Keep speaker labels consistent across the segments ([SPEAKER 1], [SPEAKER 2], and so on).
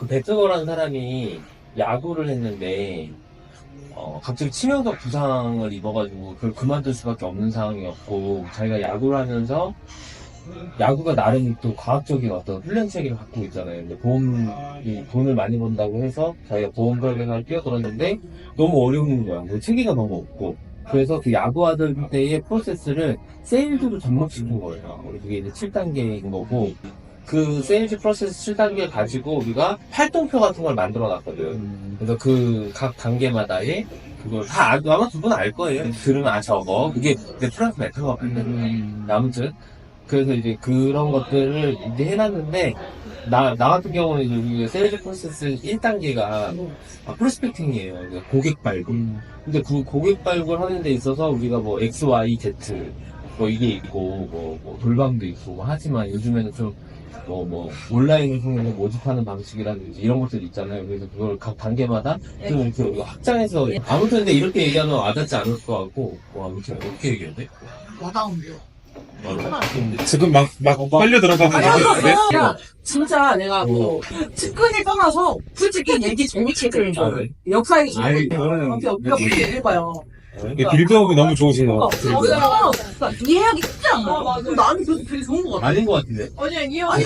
[SPEAKER 1] 그 배트거라는 사람이 야구를 했는데 갑자기 치명적 부상을 입어가지고 그걸 그만둘 수밖에 없는 상황이었고 자기가 야구를 하면서 야구가 나름 또 과학적인 어떤 훈련 체계를 갖고 있잖아요. 근데 보험이 돈을 많이 번다고 해서 자기가 보험 설계사를 뛰어들었는데 너무 어려운 거야. 그 체계가 너무 없고. 그래서 그 야구하던 때의 프로세스를 세일즈로 접목시킨 거예요. 그게 이제 7단계인 거고 그 세일즈 프로세스 7단계 가지고 우리가 활동표 같은 걸 만들어 놨거든. 그래서 그 각 단계마다의 그걸 다 아마 두 분 알 거예요. 들으면 저거 그게 내 프랑스 메타가 아무튼 그래서 이제 그런 것들을 이제 해놨는데, 나 같은 경우는 이제 우리가 세일즈 프로세스 1단계가 프로스펙팅이에요. 그러니까 고객 발굴. 근데 그 고객 발굴 하는 데 있어서 우리가 뭐 X, Y, Z, 뭐 이게 있고, 뭐 돌방도 있고, 뭐 하지만 요즘에는 좀 온라인을 통해서 모집하는 방식이라든지 이런 것들이 있잖아요. 그래서 그걸 각 단계마다 좀 이렇게 우리가 확장해서, 아무튼 근데 이렇게 얘기하면 와닿지 않을 것 같고, 아무튼 어떻게 얘기해야 돼?
[SPEAKER 2] 와닿은데요.
[SPEAKER 3] 지금 막 빨려 들어가는
[SPEAKER 2] 아니,
[SPEAKER 3] 거
[SPEAKER 2] 야, 진짜 내가 뭐, 측근을 떠나서, 솔직히 얘기 재밌게 들죠.
[SPEAKER 1] 네.
[SPEAKER 2] 역사에
[SPEAKER 3] 아이,
[SPEAKER 2] 몇 얘기해봐요.
[SPEAKER 3] 빌드업이 너무 좋으신 것 같아요.
[SPEAKER 2] 그러니까 이해하기 쉽지 않아. 나는 그래서 되게 좋은 것 같아.
[SPEAKER 1] 아닌 것 같은데?
[SPEAKER 4] 아니야, 이해가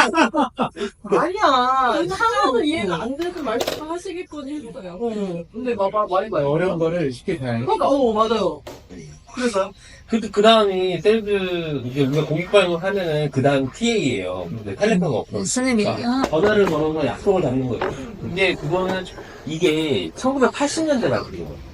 [SPEAKER 2] 아니야.
[SPEAKER 4] 상황은 이해가 안 돼서 말씀하시길 뻔했어요.
[SPEAKER 2] 근데 말해봐요.
[SPEAKER 3] 어려운 거를 쉽게 잘.
[SPEAKER 2] 그러니까, 맞아요.
[SPEAKER 1] 그래서 그 다음이 셀즈 이제 우리가 고객 발굴 하면은 그 다음 TA예요. 근데 텔레카가 없어.
[SPEAKER 2] 무슨 의미야?
[SPEAKER 1] 전화를 걸어서 약속을 잡는 거예요. 근데 그거는 이게 1980년대 같은 거.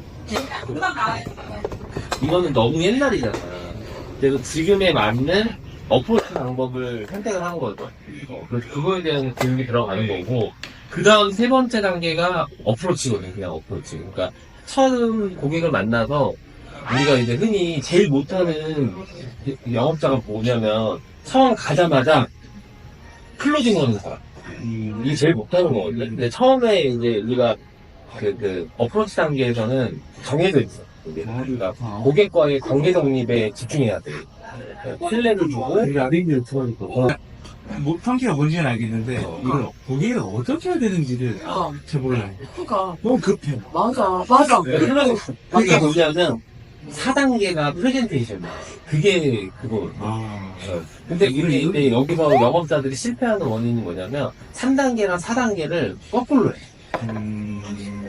[SPEAKER 1] 이거는 너무 옛날이잖아. 그래서 지금에 맞는 어프로치 방법을 선택을 한 거죠. 그래서 그거에 대한 교육이 들어가는 거고, 그 다음 세 번째 단계가 어프로치거든요. 그냥 어프로치. 그러니까 처음 고객을 만나서 우리가 이제 흔히 제일 못하는 영업자가 뭐냐면 처음 가자마자 클로징 거는 사람. 이게 제일 못하는 거거든요. 근데 처음에 이제 우리가 그 어프로치 단계에서는 정해져 있어. 그러니까 고객과의 관계 정립에 집중해야 돼. 신뢰를 주고
[SPEAKER 3] 라딩을 들어니까. 못한게가 뭔지는 알겠는데, 이걸 고객을 어떻게 해야 되는지를 잘 몰라요.
[SPEAKER 2] 그러니까.
[SPEAKER 3] 너무 급해요.
[SPEAKER 2] 맞아.
[SPEAKER 1] 그게 뭐냐면 4단계가 프레젠테이션이야. 그게 그거. 근데 이제 여기서 영업자들이 실패하는 원인이 뭐냐면 3단계랑 4단계를 거꾸로 해.